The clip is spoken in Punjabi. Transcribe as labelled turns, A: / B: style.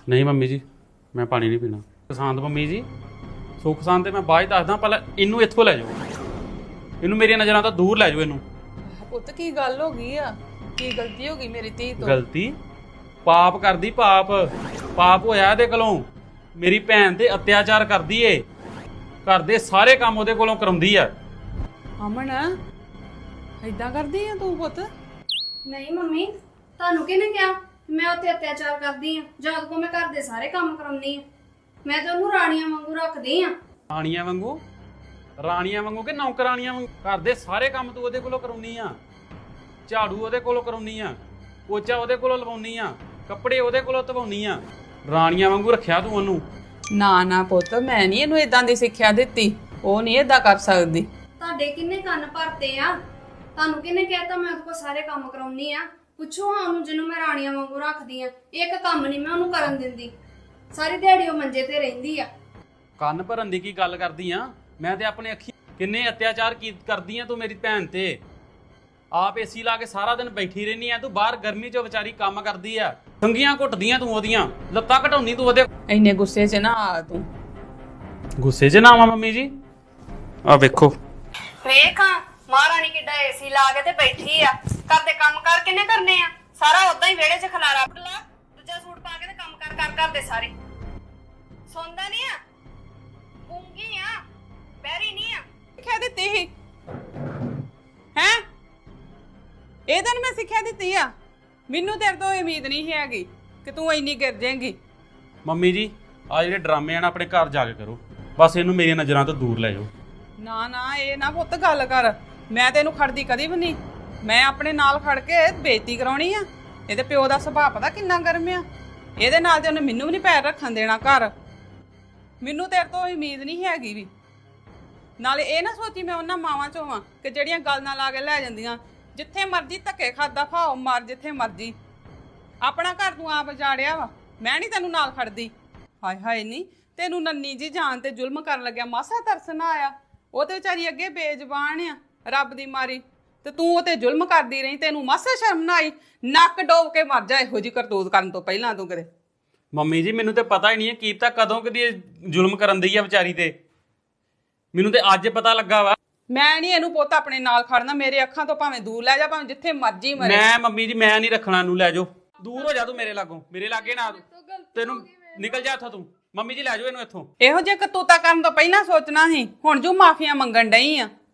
A: ਨਹੀਂ ਮੰਮੀ ਜੀ, ਮੈਂ ਪਾਣੀ ਨਹੀਂ ਪੀਣਾ। ਪਸੰਦ ਮੰਮੀ ਜੀ, ਸੁੱਖ ਸ਼ਾਂਤ ਤੇ ਮੈਂ ਬਾਅਦ ਚ ਦੱਸਦਾ, ਪਹਿਲਾਂ ਇਹਨੂੰ ਇੱਥੋਂ ਲੈ ਜਾਓ, ਇਹਨੂੰ ਮੇਰੀਆਂ ਨਜ਼ਰਾਂ ਤੋਂ ਦੂਰ ਲੈ ਜਾਓ ਇਹਨੂੰ।
B: ਪੁੱਤ ਕੀ ਗੱਲ ਹੋ ਗਈ ਆ? ਕੀ ਗਲਤੀ ਹੋ ਗਈ ਮੇਰੀ ਧੀ ਤੋਂ?
A: ਗਲਤੀ? ਪਾਪ ਕਰਦੀ, ਪਾਪ ਪਾਪ ਹੋਇਆ ਇਹਦੇ ਕੋਲੋਂ। ਮੇਰੀ ਭੈਣ ਤੇ ਅਤਿਆਚਾਰ ਕਰਦੀ ਏ, ਘਰ ਦੇ ਸਾਰੇ ਕੰਮ ਉਹਦੇ ਕੋਲੋਂ ਕਰਾਉਂਦੀ ਆ।
B: ਅਮਨ ਏਦਾਂ ਕਰਦੀ ਆ ਤੂੰ ਪੁੱਤ?
C: ਨਹੀਂ ਮੰਮੀ, ਤੁਹਾਨੂੰ ਕਿਹਨੇ ਕਿਹਾ ਮੈਂ ਉੱਥੇ ਅਤਿਆਚਾਰ ਕਰਦੀ ਆ? ਜਦ ਕੋ ਮੈਂ ਘਰ ਦੇ ਸਾਰੇ ਕੰਮ ਕਰਾਉਂਦੀ ਆ। ਮੈਂ ਤਾਂ ਉਹਨੂੰ ਰਾਣੀਆਂ ਵਾਂਗੂ ਰੱਖਦੀ ਆ।
A: ਰਾਣੀਆਂ ਵਾਂਗੂ? ਰਾਣੀਆਂ ਵਾਂਗੂ ਕਿ ਨੌਕਰਾਣੀਆਂ ਵਾਂਗੂ? ਘਰ ਦੇ ਸਾਰੇ ਕੰਮ ਤੂੰ ਉਹਦੇ ਕੋਲੋਂ ਕਰਾਉਣੀ ਆ। ਝਾੜੂ ਉਹਦੇ ਕੋਲੋਂ ਕਰਾਉਣੀ ਆ, ਪੋਚਾ ਉਹਦੇ ਕੋਲੋਂ ਲਵਾਉਣੀ ਆ, ਕੱਪੜੇ ਉਹਦੇ ਕੋਲੋਂ ਧਵਾਉਣੀ ਆ। ਰਾਣੀਆਂ ਵਾਂਗੂ ਰੱਖਿਆ ਤੂੰ ਉਹਨੂੰ।
B: ਨਾ ਨਾ ਪੁੱਤ, ਮੈਂ ਨਹੀਂ ਇਹਨੂੰ ਇਦਾਂ ਦੀ ਸਿੱਖਿਆ ਦਿੱਤੀ। ਉਹ ਨਹੀਂ ਇਦਾਂ ਕਰ ਸਕਦੀ।
C: ਤੁਹਾਡੇ ਕਿੰਨੇ ਕੰਨ ਭਰਤੇ ਆ? ਤੁਹਾਨੂੰ ਕਿਹਨੇ ਕਹਿਤਾ ਮੈਂ ਉਹਦੇ ਕੋਲ ਸਾਰੇ ਕੰਮ ਕਰਾਉਣੀ ਆ? ਪੁੱਛੋ ਹਾਂ ਉਹਨੂੰ, ਜਿਹਨੂੰ ਮੈਂ ਰਾਣੀਆਂ ਵਾਂਗੂ ਰੱਖਦੀ ਆ। ਇੱਕ ਕੰਮ ਨਹੀਂ ਮੈਂ ਉਹਨੂੰ ਕਰਨ ਦਿੰਦੀ। ਸਾਰੀ ਦਿਹਾੜੀ ਉਹ ਮੰਜੇ ਤੇ ਰਹਿੰਦੀ ਆ।
A: ਕੰਨ ਭਰਨ ਦੀ ਕੀ ਗੱਲ ਕਰਦੀ ਆ? ਮੈਂ ਤੇ ਆਪਣੇ ਅੱਖੀ ਕਿੰਨੇ ਅਤਿਆਚਾਰ ਕਰਦੀ ਆ ਤੂੰ ਮੇਰੀ ਭੈਣ ਤੇ। ਆਪ ਏਸੀ ਲਾ ਕੇ ਸਾਰਾ ਦਿਨ ਬੈਠੀ ਰਹਿਨੀ ਆ, ਤੂੰ ਬਾਹਰ ਗਰਮੀ 'ਚ ਵਿਚਾਰੀ ਕੰਮ ਕਰਦੀ ਆ। ਸੰਗੀਆਂ ਘੁੱਟਦੀਆਂ ਤੂੰ ਉਹਦੀਆਂ, ਲੱਤਾਂ ਘਟਾਉਣੀ ਤੂੰ ਉਹਦੇ।
B: ਇੰਨੇ ਗੁੱਸੇ 'ਚ ਨਾ ਆ ਤੂੰ।
A: ਗੁੱਸੇ 'ਚ ਨਾ ਆਵਾਂ ਮੰਮੀ ਜੀ? ਆ ਵੇਖੋ,
C: ਵੇਖ ਮਹਾਰਾਣੀ ਕਿੱਡਾ ਏਸੀ ਲਾ ਕੇ ਤੇ ਬੈਠੀ ਆ। ਘਰ ਦੇ ਕੰਮ ਕਰ ਕਿੰਨੇ ਕਰਨੇ ਆ? ਸਾਰਾ ਉਦਾਂ ਹੀ ਵਿਹੜੇ 'ਚ ਖਲਾਰਾ ਪੜਲਾ, ਦੂਜਾ ਸੂਟ ਪਾ ਕੇ ਤੇ ਕੰਮ ਕਰ ਘਰ ਦੇ ਸਾਰੇ। ਸੌਂਦਾ ਨਹੀਂ ਆ, ਗੂੰਗੀ ਆ, ਬਹਿਰੀ ਨਹੀਂ ਆ।
B: ਸਿੱਖਿਆ ਦਿੱਤੀ ਸੀ ਹੈ? ਇਹ ਦਿਨ ਮੈਂ ਸਿੱਖਿਆ ਦਿੱਤੀ ਆ? ਮੈਨੂੰ ਤੇਰੇ ਤੋਂ ਉਮੀਦ ਨਹੀਂ ਸੀ ਹੈਗੀ ਕਿ ਤੂੰ ਇੰਨੀ ਗਿਰ ਜਾਏਂਗੀ।
A: ਮੰਮੀ ਜੀ ਆ ਜਿਹੜੇ ਡਰਾਮੇ ਆ ਨਾ ਆਪਣੇ ਘਰ ਜਾ ਕੇ ਕਰੋ, ਬਸ ਇਹਨੂੰ ਮੇਰੀਆਂ ਨਜ਼ਰਾਂ ਤੋਂ ਦੂਰ ਲੈ ਜਾਓ।
B: ਨਾ ਨਾ, ਇਹ ਨਾ ਪੁੱਤ ਗੱਲ ਕਰ। ਮੈਂ ਤੈਨੂੰ ਖੜਦੀ ਕਦੀ ਵੀ ਨਹੀਂ। ਮੈਂ ਆਪਣੇ ਨਾਲ ਖੜ ਕੇ ਬੇਇੱਜ਼ਤੀ ਕਰਾਉਣੀ ਆ? ਇਹਦੇ ਪਿਓ ਦਾ ਸੁਭਾਅ ਪਤਾ ਕਿੰਨਾ ਗਰਮ ਆ। ਇਹਦੇ ਨਾਲ ਤੇ ਉਹਨੇ ਮੈਨੂੰ ਵੀ ਨਹੀਂ ਪੈਰ ਰੱਖਣ ਦੇਣਾ ਘਰ। ਮੈਨੂੰ ਤੇਰੇ ਤੋਂ ਉਮੀਦ ਨਹੀਂ ਹੈਗੀ ਵੀ। ਨਾਲੇ ਇਹ ਨਾ ਸੋਚੀ ਮੈਂ ਉਹਨਾਂ ਮਾਵਾਂ ਚੋਂ ਆ ਕਿ ਜਿਹੜੀਆਂ ਗੱਲ ਨਾਲ ਲਾ ਕੇ ਲੈ ਜਾਂਦੀਆਂ। ਜਿੱਥੇ ਮਰਜ਼ੀ ਧੱਕੇ ਖਾਦਾ ਖਾਓ, ਮਰ ਜਿੱਥੇ ਮਰਜ਼ੀ। ਆਪਣਾ ਘਰ ਤੂੰ ਆਪ ਉਜਾੜਿਆ ਵਾ, ਮੈਂ ਨਹੀਂ ਤੈਨੂੰ ਨਾਲ ਖੜਦੀ। ਹਾਏ ਹਾਏ, ਨਹੀਂ ਤੈਨੂੰ ਨੰਨੀ ਜੀ ਜਾਨ ਤੇ ਜ਼ੁਲਮ ਕਰਨ ਲੱਗਿਆ ਮਾਸਾ ਤਰਸ ਨਾ ਆਇਆ? ਉਹ ਤੇ ਵਿਚਾਰੀ ਅੱਗੇ ਬੇਜ਼ਬਾਨ ਆ ਰੱਬ ਦੀ ਮਾਰੀ, ਤੇ ਤੂੰ ਉਹ ਤੇ ਜ਼ੁਲਮ ਕਰਦੀ ਰਹੀ। ਤੈਨੂੰ ਮਾਸਾ ਸ਼ਰਮ ਨਾ ਆਈ? ਨੱਕ ਡੋਬ ਕੇ ਮਰ ਜਾ ਇਹੋ ਜੀ ਕਰਤੂਤ ਕਰਨ ਤੋਂ ਪਹਿਲਾਂ ਤੂੰ ਕਦੇ।
A: ਮੰਮੀ ਜੀ ਮੈਨੂੰ ਤੇ ਪਤਾ ਹੀ ਨਹੀਂ ਹੈ ਕੀਤਾ ਕਦੋਂ ਕਦੀ ਜ਼ੁਲਮ ਕਰਨ ਦੀ ਆ ਵਿਚਾਰੀ ਤੇ। ਮੈਨੂੰ ਤੇ ਅੱਜ ਪਤਾ ਲੱਗਾ ਵਾ।
B: ਮੈਂ ਨਹੀਂ ਇਹਨੂੰ ਪੁੱਤ ਆਪਣੇ ਨਾਲ ਖੜਨਾ। ਮੇਰੇ ਅੱਖਾਂ ਤੋਂ ਭਾਵੇਂ ਦੂਰ ਲੈ ਜਾ, ਭਾਵੇਂ ਜਿੱਥੇ ਮਰਜ਼ੀ ਮਰੇ।
A: ਮੈਂ ਮੰਮੀ ਜੀ ਮੈਂ ਨਹੀਂ ਰੱਖਣਾ ਇਹਨੂੰ, ਲੈ ਜਾਓ ਦੂਰ ਹੋ ਜਾ ਤੂੰ ਮੇਰੇ ਲਾਗੋਂ, ਮੇਰੇ ਲਾਗੇ ਨਾ ਤੈਨੂੰ ਨਿਕਲ ਜਾ ਇੱਥੋਂ ਤੂੰ। ਮੰਮੀ ਜੀ ਲੈ ਜਾਓ ਇਹਨੂੰ ਇੱਥੋਂ।
B: ਇਹੋ ਜਿਹੇ ਕਰਤੂਤਾ ਕਰਨ ਤੋਂ ਪਹਿਲਾਂ ਸੋਚਣਾ ਸੀ। ਹੁਣ ਜੋ ਮਾਫੀਆਂ ਮੰਗਣ ਡਈ ਆ।